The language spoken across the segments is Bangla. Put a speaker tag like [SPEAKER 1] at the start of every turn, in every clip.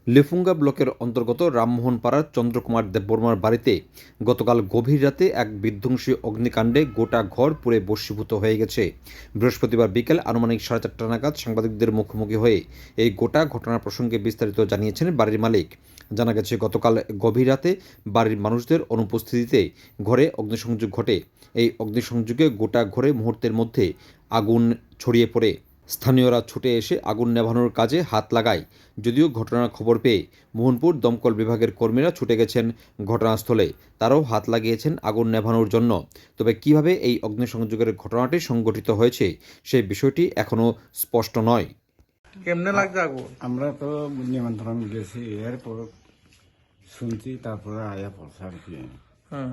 [SPEAKER 1] লেফুঙ্গা ব্লকের অন্তর্গত রামমোহন পাড়ার চন্দ্রকুমার দেববর্মার বাড়িতে গতকাল গভীর রাতে এক বিধ্বংসী অগ্নিকাণ্ডে গোটা ঘর পুড়ে ভস্মীভূত হয়ে গেছে। বৃহস্পতিবার বিকেল আনুমানিক 4:30 নাগাদ সাংবাদিকদের মুখোমুখি হয়ে এই গোটা ঘটনার প্রসঙ্গে বিস্তারিত জানিয়েছেন বাড়ির মালিক। জানা গেছে, গতকাল গভীর রাতে বাড়ির মানুষদের অনুপস্থিতিতে ঘরে অগ্নিসংযোগ ঘটে। এই অগ্নিসংযোগে গোটা ঘরে মুহূর্তের মধ্যে আগুন ছড়িয়ে পড়ে। স্থানীয়রা ছুটে এসে আগুন নেভানোর কাজে হাত লাগায়। যদিও ঘটনার খবর পেয়ে মোহনপুর দমকল বিভাগের কর্মীরা ছুটে গেছেন ঘটনাস্থলে, তারাও হাত লাগিয়েছেন আগুন নেভানোর জন্য। তবে কিভাবে এই অগ্নিসংযোগের ঘটনাটি সংঘটিত হয়েছে সেই বিষয়টি এখনও স্পষ্ট নয়।
[SPEAKER 2] কেমনে লাগছে আগুন?
[SPEAKER 3] আমরা তো নিমন্ত্রণ গেছি, এরপর শুনছি, তারপরে আয়া পড়ছে আর কি।
[SPEAKER 2] হ্যাঁ,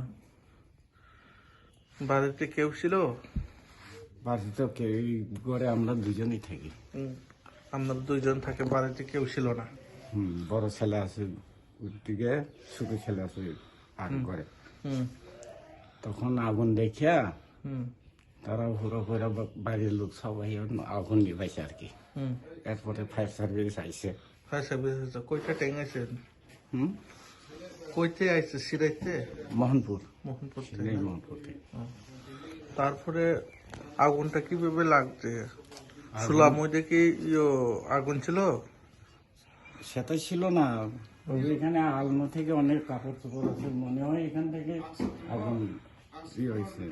[SPEAKER 2] বাড়িতে কেউ ছিল?
[SPEAKER 3] বাড়িতে তো কেউ ঘরে আমরা দুজনই থাকি।
[SPEAKER 2] আপনারা দুইজন থাকে, বাড়িতে কেউ ছিল না?
[SPEAKER 3] বড় ছেলে আছে দিকে, ছোট ছেলে আছে আর ঘরে।
[SPEAKER 2] হুম
[SPEAKER 3] তখন আগুন দেখিয়া
[SPEAKER 2] হুম
[SPEAKER 3] তারা হুড়ো করে বাড়ির লোক সবাই আগুন নিবাইছে আর কি। এরপরে ফায়ার সার্ভিস আইসে।
[SPEAKER 2] ফায়ার সার্ভিস কইটা ট্যাং আইছেন?
[SPEAKER 3] হুম
[SPEAKER 2] কইতে আইছে? সিরাইতে?
[SPEAKER 3] মোহনপুর,
[SPEAKER 2] মোহনপুর থেকে?
[SPEAKER 3] সিলেট মোহনপুর থেকে।
[SPEAKER 2] তারপরে আগুনটা কিভাবে লাগছে? শুনলাম ওই দেখি আগুন ছিল।
[SPEAKER 3] সেটা ছিল না, এখানে আলমো থেকে অনেক কাপড় চোপড় আছে, মনে হয় এখান থেকে আগুন হয়েছে।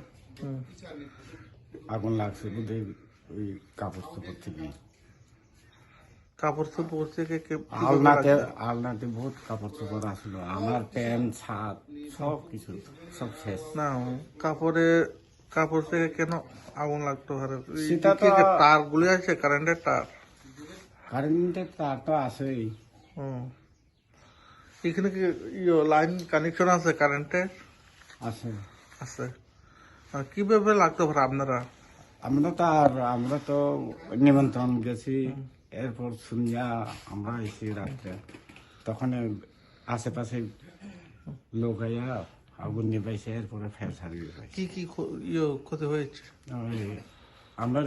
[SPEAKER 3] আগুন লাগছে বোধহয় ওই কাপড় চোপড় থেকে।
[SPEAKER 2] কাপড় চোপড় থেকে
[SPEAKER 3] আলনাতে আলনাতে বহুত কাপড় চোপড় আসলো, আমার প্যান্ট ছাদ সব কিছু সব শেষ।
[SPEAKER 2] না, কাপড় থেকে কেন আগুন লাগতো?
[SPEAKER 3] সেটা তো
[SPEAKER 2] তার গুলি আছে, কারেন্টের তার?
[SPEAKER 3] কারেন্টের তার তো আছেই।
[SPEAKER 2] হুম। এখানে কি লাইন কানেকশন আছে কারেন্টের?
[SPEAKER 3] আছে
[SPEAKER 2] আছে। আর কিভাবে লাগতো ভাই আপনারা?
[SPEAKER 3] আমরা তো নিমন্ত্রণ গেছি, এরপর শুনিয়া আমরা এসে রাত্রে, তখন আশেপাশে লোক আইয়া আগুন নিবাইছে, এরপরে ফায়ার সার্ভিস হয়।
[SPEAKER 2] কি কি ক্ষতি হয়েছে?
[SPEAKER 3] আমার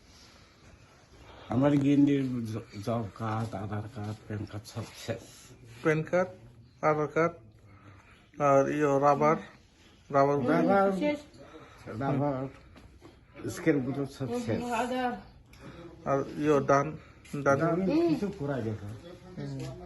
[SPEAKER 3] আমার গিন্ডির job card, Aadhaar card, PAN card সব শেষ।
[SPEAKER 2] প্যান কার্ড, আধার কার্ড আর রাবার রাবার
[SPEAKER 3] রাবার স্কেল গুলো সব শেষ।
[SPEAKER 2] আর ডান ডান
[SPEAKER 3] কিছু পুরা গেছে।